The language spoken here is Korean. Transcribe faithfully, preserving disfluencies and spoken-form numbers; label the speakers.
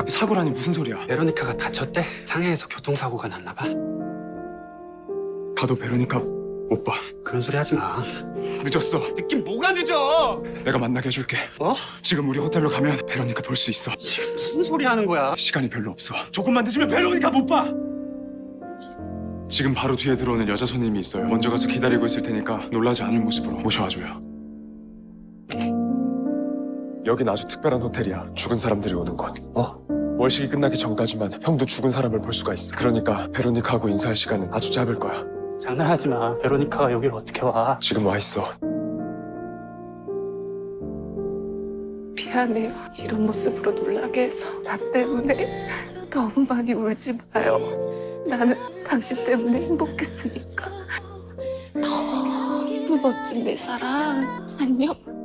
Speaker 1: 사고라니 무슨 소리야?
Speaker 2: 베로니카가 다쳤대? 상해에서 교통사고가 났나 봐.
Speaker 1: 가도 베로니카 못 봐.
Speaker 2: 그런 소리 하지 마.
Speaker 1: 늦었어.
Speaker 2: 느낌 뭐가 늦어?
Speaker 1: 내가 만나게 해줄게.
Speaker 2: 어?
Speaker 1: 지금 우리 호텔로 가면 베로니카 볼 수 있어.
Speaker 2: 지금 무슨 소리 하는 거야?
Speaker 1: 시간이 별로 없어. 조금만 늦으면 베로니카 못 봐. 지금 바로 뒤에 들어오는 여자 손님이 있어요. 먼저 가서 기다리고 있을 테니까 놀라지 않을 모습으로 모셔와줘요. 여긴 아주 특별한 호텔이야. 죽은 사람들이 오는 곳.
Speaker 2: 어?
Speaker 1: 월식이 끝나기 전까지만 형도 죽은 사람을 볼 수가 있어. 그러니까 베로니카하고 인사할 시간은 아주 짧을 거야.
Speaker 2: 장난하지 마. 베로니카가 여길 어떻게 와?
Speaker 1: 지금 와 있어.
Speaker 3: 미안해요. 이런 모습으로 놀라게 해서 나 때문에 너무 많이 울지 마요. 나는 당신 때문에 행복했으니까. 너무 멋진 내 사랑. 안녕.